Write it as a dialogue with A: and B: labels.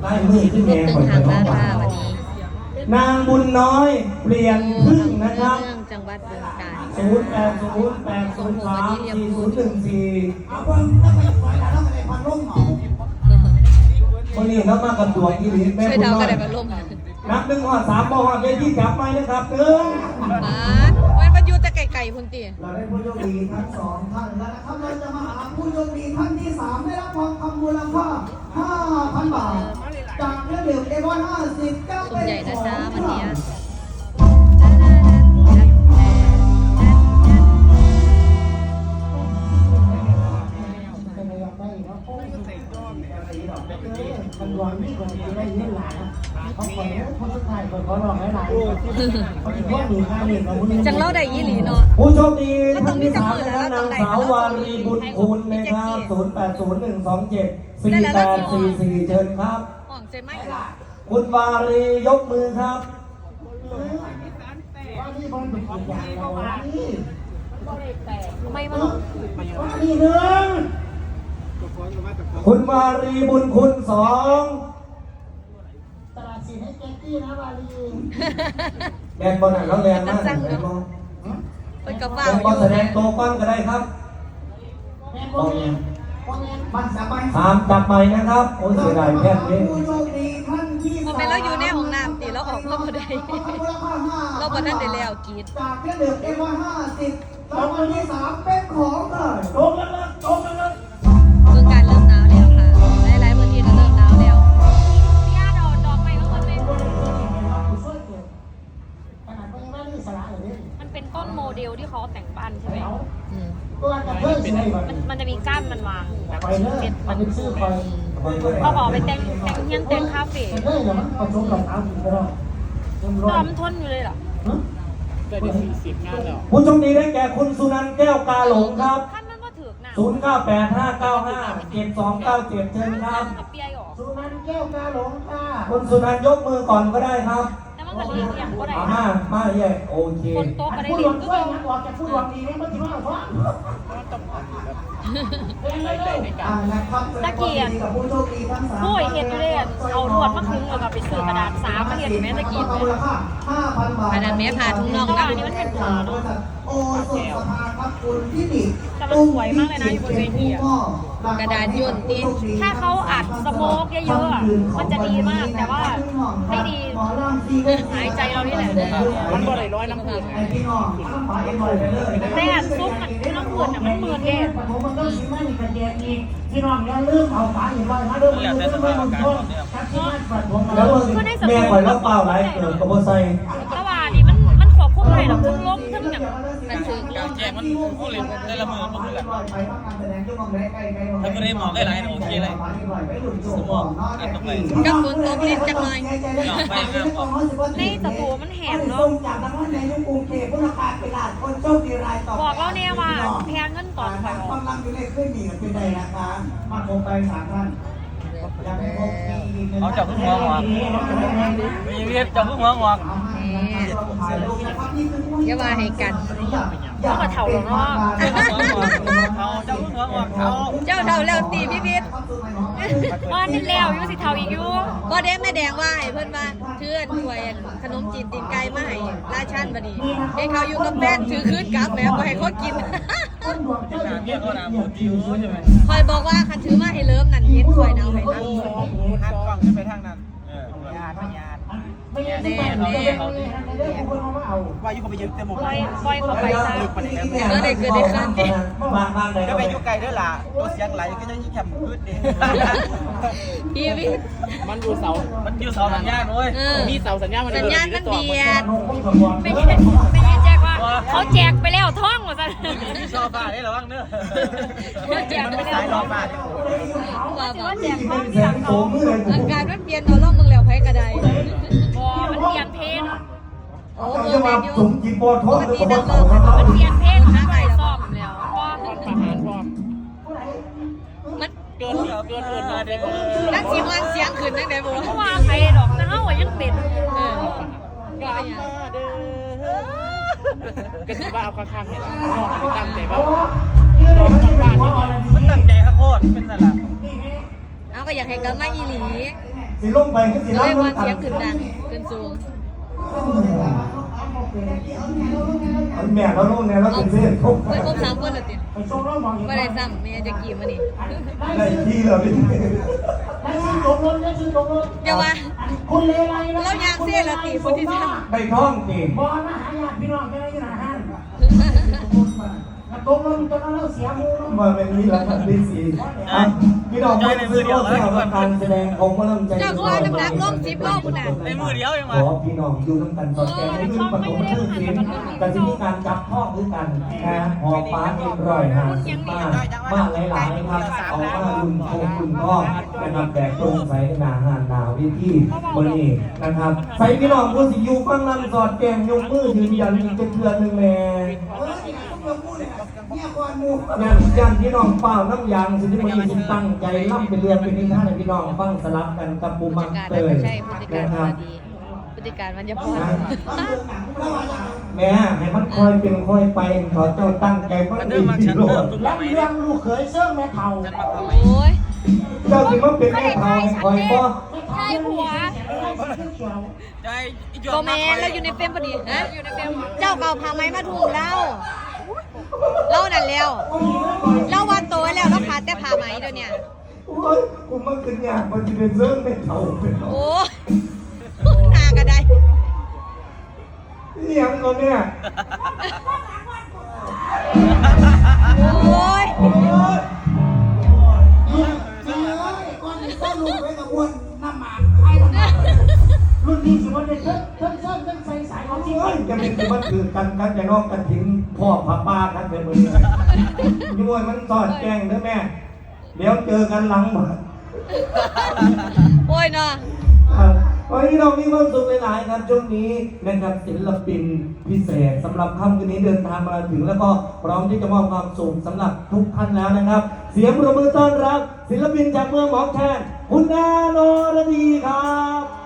A: ไล่มือขึ้นแดง
B: ตึงทางมาค่ะวันนี้
A: นางบุญน้อยเปลี่ยนพึ่งนะครับ
B: เมืองจังหวัดบึงกาฬ
A: 0808034014คนนี้เรามากับตัวอีหลีแม่
B: ช่วย
A: บุญ
B: เดา
A: น้อ
B: กัน
A: ย
B: ได้มาล่ม
A: นับ1 3บอกว่าเวทีจับไปนะครับ1
B: มันอยู่แต่ไก่ๆพุ่นตี
C: เราได้ผู้โชคดีทั้งสองท่านแล้วนะครับเราจะมาหาผู้โชคดีท่านที่3ได้รับทองคำมูลค่า 5,000 บาทจากเครื่องดื่มเอวอน50ก็เป็น
B: ใหญ่นะจ๊ะวันนี้
C: มันรวมนี่คนที่ได้เล่นหลานเขาขอคนสุดท้ายคนขอลองหลายเขาอีกพวกหนึ่งค่าหนึ่งของมึง
B: จังเล่าได้ยี่หลีเนาะ
A: ผู้โชคดีท่านที่3นะครับนางสาววารีบุญคุณนะครับ0801274844เชิญครับ
B: ห่องใจไหม
A: คุณวารียกมือครับ
C: ว่านี่มันเป็นคนอย่างเราว่านี่
B: ไม่มา
C: ว่านี่หนึ่ง
A: คุณวารีบุญคุณ2
C: ตลาดสินให้แจ็คกี้นะวาลี
A: แดนบอลไหนแล้วแดนมากแดนบอล
B: ไปกับ
A: แด
B: ว่าน
A: บอลแสดงตัวก้อนก็ได้ครับ
C: แม่โมเองโมเองมันสบาย
A: 3จับใหม่นะครับโอ้ยเสียดายแค่นี้
C: ผู้โชคดีท่านที่
B: พอไปแล้วอยู่ในห้องน้ำตีแล้วออกเราบ่ได้เราบ่ทันได้แล้วกรีด
C: จากเครื่องดื่มเอวอน50รางวัลที่3เป็นของเลยโดนแล้วโดนแล้ว
B: เมืองการเริ่มหนาวแล้วค่ะหลายๆพื้นที่ก็เริ่มหนาวแล้วพี่อาดอกไม้ก็คนเป็น
D: มันเป็นต้นโมเดลที่เขาแต่งบ้านใช่ไหม
C: มัน
D: มันจะมีก้านมันวางแบบ
C: ไปเลยมันเป็นชื่อไป
D: เขาบอกไปแต่งเฮียนแต่งคาเฟ่
C: เฮ้ยเดี๋ยวมันผสมกับเอาอีกแล้ว
D: ตอมนทนอยู่เลยเหรอ
A: ผู้โชคดีได้แก่คุณสุนันท์แก้วกาหลงครับ
D: ท่านมันก็ถือกหนา
A: 0985957297เชิญครับ
D: เปียหรอ
C: สุนันท์แก้วกาหลงค่ะ
A: คุณสุนันท์ยกมือก่อนก็ได้ครับ
D: แต่มันก็เรียกอย่างก็ได้
A: มาแย่โอเค
D: คนโต๊ะก็ได้
C: พูด
D: เรี
C: ห
D: ย
C: วั
D: ก
C: งช่วยนะออกจากพูดหวังดีเนี่ยมันถือว่าฟ้าตะเกียบ
D: ผู้เห็นอยู่เลยเอาลวดมาคึงแล้วก็ไปซื้อกระดาษสามมาเห็นแม่ตะกี้
C: มูลค่า 5,000 บาท
B: ขนาดแม่พาทุ่งน้อง
D: แต่
B: นะ
D: ว่าอันนี้มันเป็นผาเนาะ
C: โอ้สุดสภาครับคุณที่ดิ
D: แต่มันสวยมากเลยนะอยู่บนเวทีอะ
B: กระดาษย่นตีน
D: ถ้าเขาอัดสโมกเยอะๆอะมันจะดีมากแต่ว่าไม่ดีหายใจเรานี่แหละ
C: มันก็เลยร้อยน้ำผึ้งไอ้พี่น้องฟ้าเอ็นลอยไปเลย
D: แต่ซุปมันไม่ต้องเปิดอ่ะมันเปิดเอง
C: ผมมันต้องชิมมันกันแยกอีกพี่น้องอย่าลืมเอาฟ้าเอ็นลอยมาด้วยมันจะไม่มันทนครับที่มันปัดผม
A: แล้วแม่ข่อยรับเปล่าหลายเกิดกระโบไซ
D: แต่ว่านี่มันควบคุมได้หรอกทั้งลมทั้งอย่าง
B: มันถึง
E: แจกมันผู้เล่นแต่ละมือมันคือกันถ้าไม่ได้หมอกได้หลายโอเคเลยสมองอัดลงไป
B: กับฝนตกนิดจังหน่อย
D: ในสตูมันแหงเนาะบอกเราเนี่ยว่าแพงเงินก่อนคอยออก
C: กำลังอยู่ในเครื่องหนีกันเป็นไงนะคะมาคงไป3 ท่าน
E: เอาจับขึ้นหัวหอกมีเวียดจับขึ้นหัวหอก
B: อย่าว่าให้กัน
D: เขาก็เถ่าแล้วเนาะ
E: เอาจับขึ้นหัวหอกเอา
B: เจ้าเท่าแล้วตีพี่พิษ
D: ว่านี่แล้วอยู่สิเถ่าอีกอยู่
B: บ่ได้แม่แดงว่าให้เพิ่นว่าเทื่อนถ้วยขนมจีนตีนไก่มาให้ราชันบัดนี้ให้เขาอยู่กับแฟนถือคืนกลับแล้วบ่ให้เขากิน
E: หนาเบี้ยก็หนาหมดดิวใช่ไหม
B: คอยบอกว่าคันถือมาให้เลิมนั่นเห็นคอยเอาให้นั่น
E: หันกล้องขึ้นไปทางนั้นญาติญาติ
B: แน่แน่
E: ว่าอยู่ก็ไปยืมเต็มหมด
D: ปล่อยเขาไปซะ
B: ก็ได้เกิดได้ขึ้นติ
A: บางไหน
E: ก็
A: ก็
E: ไป
A: ไป
E: อยู่ไกลด้วยล่ะตัวเสียงไหลก็ยังยิ่งแคบพืชดิ
B: พี่พิษ
E: มันอยู่เสาสัญญาณเว้ย
B: มีเสาสัญญาณมันเบียด
D: ไม่ใช่แจกว่าเขาแจกไปแล้วท่องหมดซะ
E: ที่ชอบบ้าได้หรอบ้างเนอะ
D: เขาแจก
E: มัน
D: ไป
E: ไม่
D: แล้
E: สายว รอบบ้าน
B: ว่าบ่
D: เขาแจกท่อง
A: แส
D: ที่หลั
A: ง
D: ง
A: โส
D: เขา
A: มมือเลย
B: อาการมันเปลี่ยนเอาล่องมึงแล้วไผก็ได้
D: บอมันเปลี่ยนเพลง
B: โอ้
A: จะ
B: เมื
A: มา
B: องแมนยู
A: สมจีบอทอด
B: ปก
A: หรือ
B: ติ
A: กระ
B: นั
A: บอก
B: ก
A: เต่า
B: เลิก
A: ครับ
D: มันเปลี่ยนเพลงหาใครซ่อมแล้วพอ
B: มัน
E: เกินมาเด็ก
B: นักสิมันเสียงขึ้นจังได๋บ่
D: เพราะว่าใครดอกนะเฮายังเป็น
B: เออก็เป็นหยัง
E: ก็ถือว่าเอาข้างๆเนี่ยตั้งใจว่ามันตั้งใจข้าโคตรเป็นสลับ
B: เอาก็อยากให้กลับมาอีหลี
A: สิลงไปก็สิ
B: เรียก
A: น้ำ
B: ว่า
A: น้ำ
B: เสียงขึ้นดังขึ้นสูง
A: แม่เราลงเนี่ยเราเป็นเส้นครบ
B: เพื่อนครบ3คนแล้วติไม่ได้ซ้ำแม่จะกี่มานี่
A: ได้ที่เราเป็น
B: อย่าว่า
F: คุณเลไรนะ
B: เราอยากเสียละติพุทธิธรรม
A: ไปท้องนี่
F: บอลนะหาญาติพี่น้องจะได้ยินอาหารตกลงจนเราเสียมูล
A: มาเป็นนี้แล้วครับดีสีพี่น้องไม่ได้ซื้อรถเที่ยวการแสดงของกำลังใจ
B: เจ้าคือว่าน้ำหนักลง10 โลพุ่นน่ะ
E: ในมือเดียวยัง
A: ข
E: มา
A: อพี่น้องอยู่น้ำกันสอดแกงให้ขึ้นประตูชื่อเสียงแต่ที่มีการจับพ่อด้วยกันนะหอฟ้าเอ็นรอยหาสิบ้านบ้านหลายๆครับออกมาลุนโคงลุนพ่อนะครับแบบตรงใส่หนาหานหนาวิธีบรินะครับใส่พี่น้องผู้สิอยู่ฟังลำสอดแกงยกมือยืนยันอีกเทือนหนึ่งแม่ยันพี่น้องเปล่าน้ำยางสิที่มันสิตั้งใจล่ำเป็นเรียนเป็นนิทานให้พี่น้องฟังสลับกันกับปูมังเตย
B: ใช่พฤติการ
A: นะครับ
B: ดีพฤติการมันจะพอ
A: แม่ให้มันคอยเป็นคอยไปขอเจ้าตั้งใจฟัง
E: มัน
A: ดี
E: เดิมมา
A: ที่
E: ชั้น
A: โล
E: เดิ
A: ด
E: มทุก
F: และ
E: ไหม
F: เรื่องลูกเขยเสื่องแม่เท่า
E: ฉันมาทำไม
B: โอ้ย
A: เจ้าสิมาเป็นแม่เฒ่าให้คอยบ่
D: ใช่ผัว
E: ใจอีจ
B: โกแมนเราอยู่ในเฟรมพอดีฮะอยู่ในเฟรมเจ้าเก่าพาไม้มาทุ่มเรานั่นแล้วเราว่าโตแล้วเราขาดแต่พาไม้เดี๋ยวนี้
A: โอ้ยกูมันขึ้นยากมันจะเป็นเรื่องแม่เฒ่าเป็นเนาะ
B: โอ้หนาก็ได้
A: เลี้ยงก่อนเนี่ย
B: โอ้ย
C: ก้อนต้นลูกไว้กับวนน้ำหมากไอ้น้ำหมาก
F: รุ่นนี้สิวันเด็กเพิ่งใส่สายของจริง
A: เอ้ยจะเป็นสิมันคือกันจะนอกกันถึงพ่อพาป้ากันเป็นมือย้วยมันสอดแจ้งเด้อแม่เดี๋ยวเจอกันหลังหมด
B: โอ้ยเนาะ
A: วันนี้เรามีความสุขหลายๆครับช่วงนี้นะครับศิลปินพิเศษสำหรับค่ำคืนนี้เดินทางมาถึงแล้วก็พร้อมที่จะมอบความสุขสำหรับทุกท่านแล้วนะครับ เสียงปรบมือต้อนรับศิลปินจากเมืองหมอแคนคุณนาโนรดีครับ